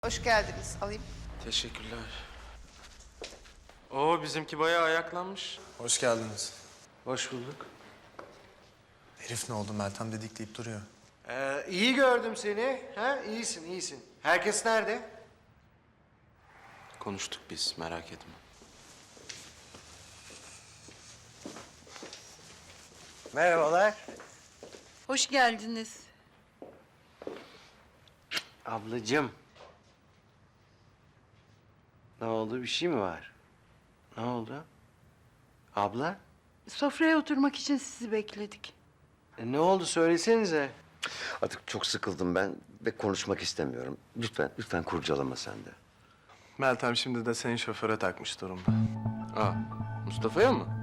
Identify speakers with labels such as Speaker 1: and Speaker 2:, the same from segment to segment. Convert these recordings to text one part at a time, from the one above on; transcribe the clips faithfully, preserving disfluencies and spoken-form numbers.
Speaker 1: Hoş geldiniz. Alayım.
Speaker 2: Teşekkürler. Oo, bizimki bayağı ayaklanmış.
Speaker 3: Hoş geldiniz.
Speaker 2: Hoş bulduk.
Speaker 3: Herif ne oldu? Meltem dedikleyip duruyor.
Speaker 4: Ee, iyi gördüm seni. Ha? İyisin, iyisin. Herkes nerede?
Speaker 2: Konuştuk biz, merak etme.
Speaker 4: Merhabalar.
Speaker 1: Hoş geldiniz.
Speaker 4: Ablacığım. Ne oldu? Bir şey mi var? Ne oldu? Abla?
Speaker 1: Sofraya oturmak için sizi bekledik.
Speaker 4: E, ne oldu? Söylesenize.
Speaker 5: Artık çok sıkıldım ben ve konuşmak istemiyorum. Lütfen, lütfen kurcalama sen de.
Speaker 3: Meltem şimdi de senin şoföre takmış durumda.
Speaker 2: Aa, Mustafa'ya mı?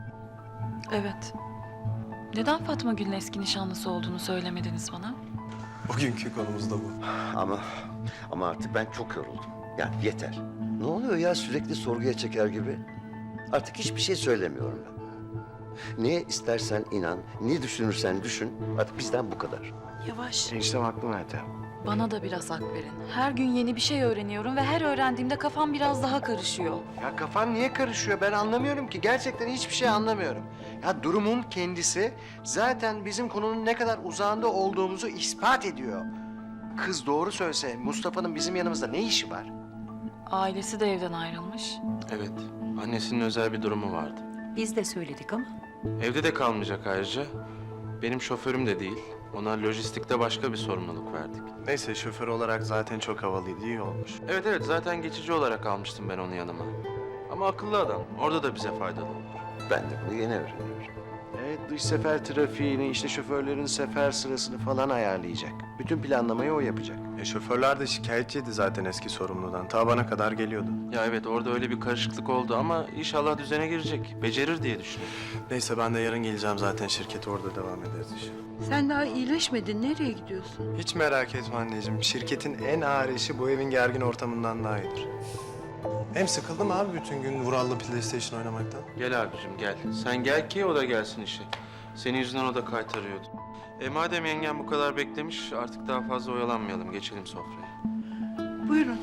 Speaker 6: Evet. Neden Fatma Gül'ün eski nişanlısı olduğunu söylemediniz bana?
Speaker 3: Bugünkü konumuz da bu.
Speaker 5: Ama ama artık ben çok yoruldum. Yani yeter. Ne oluyor ya sürekli sorguya çeker gibi? Artık hiçbir şey söylemiyorum ben. Neye istersen inan, ne düşünürsen düşün. Artık bizden bu kadar.
Speaker 6: Yavaş.
Speaker 4: Eniştem haklı Meltem.
Speaker 6: Bana da biraz hak verin. Her gün yeni bir şey öğreniyorum ve her öğrendiğimde kafam biraz daha karışıyor.
Speaker 4: Ya kafan niye karışıyor? Ben anlamıyorum ki. Gerçekten hiçbir şey anlamıyorum. Ya durumun kendisi zaten bizim konunun ne kadar uzağında olduğumuzu ispat ediyor. Kız doğru söylese Mustafa'nın bizim yanımızda ne işi var?
Speaker 6: Ailesi de evden ayrılmış.
Speaker 2: Evet, annesinin özel bir durumu vardı.
Speaker 7: Biz de söyledik ama.
Speaker 2: Evde de kalmayacak ayrıca. Benim şoförüm de değil. Ona lojistikte başka bir sorumluluk verdik.
Speaker 3: Neyse şoför olarak zaten çok havalıydı, iyi olmuş.
Speaker 2: Evet evet, zaten geçici olarak almıştım ben onu yanıma. Ama akıllı adam, orada da bize faydalı olur.
Speaker 5: Ben de bunu yeni öğreniyorum.
Speaker 4: Evet, dış sefer trafiğini, işte şoförlerin sefer sırasını falan ayarlayacak. Bütün planlamayı o yapacak.
Speaker 3: E şoförler de şikayetçiydi zaten eski sorumludan. Ta bana kadar geliyordu.
Speaker 2: Ya evet, orada öyle bir karışıklık oldu ama inşallah düzene girecek. Becerir diye düşünüyorum.
Speaker 3: Neyse ben de yarın geleceğim zaten şirkete, orada devam ederiz işe.
Speaker 1: Sen daha iyileşmedin. Nereye gidiyorsun?
Speaker 3: Hiç merak etme anneciğim. Şirketin en ağır işi bu evin gergin ortamından daha iyidir. Hem sıkıldım abi bütün gün Vural'la PlayStation oynamaktan.
Speaker 2: Gel abicim gel. Sen gel ki o da gelsin işe. Senin yüzünden o da kaytarıyordu. E madem yengem bu kadar beklemiş, artık daha fazla oyalanmayalım. Geçelim sofraya.
Speaker 1: Buyurun.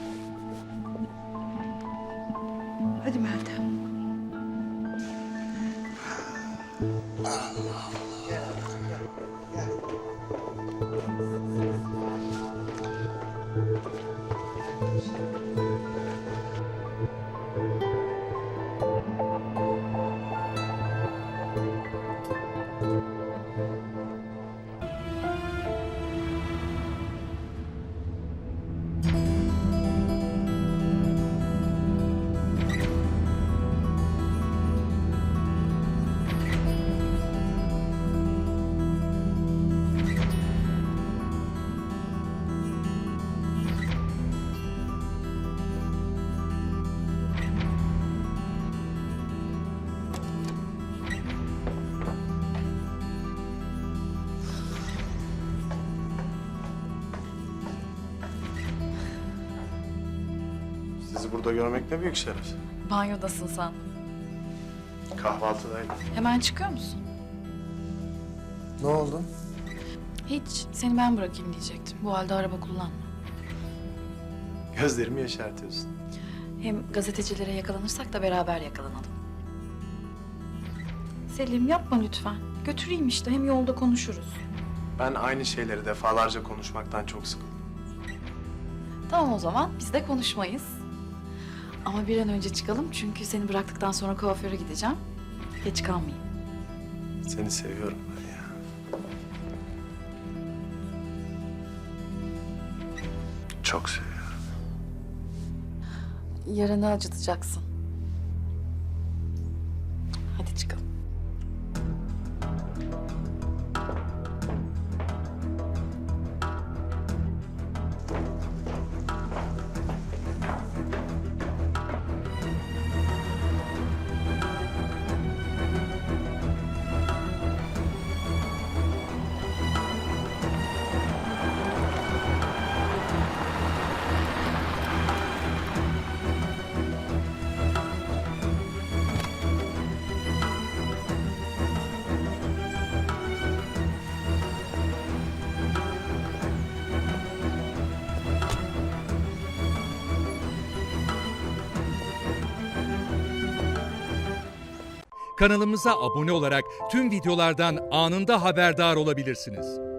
Speaker 1: Hadi Meltem.
Speaker 3: Sizi burada görmek ne büyük şeref.
Speaker 6: Banyodasın sandım.
Speaker 3: Kahvaltıdaydım.
Speaker 6: Hemen çıkıyor musun?
Speaker 3: Ne oldu?
Speaker 6: Hiç. Seni ben bırakayım diyecektim. Bu halde araba kullanma.
Speaker 3: Gözlerimi yaşartıyorsun.
Speaker 6: Hem gazetecilere yakalanırsak da beraber yakalanalım. Selim yapma lütfen. Götüreyim işte. Hem yolda konuşuruz.
Speaker 3: Ben aynı şeyleri defalarca konuşmaktan çok sıkıldım.
Speaker 6: Tamam o zaman. Biz de konuşmayız. Ama bir an önce çıkalım çünkü seni bıraktıktan sonra kuaföre gideceğim. Geç kalmayayım.
Speaker 3: Seni seviyorum ben ya. Çok seviyorum.
Speaker 6: Yaranı acıtacaksın. Hadi çıkalım.
Speaker 7: Kanalımıza abone olarak tüm videolardan anında haberdar olabilirsiniz.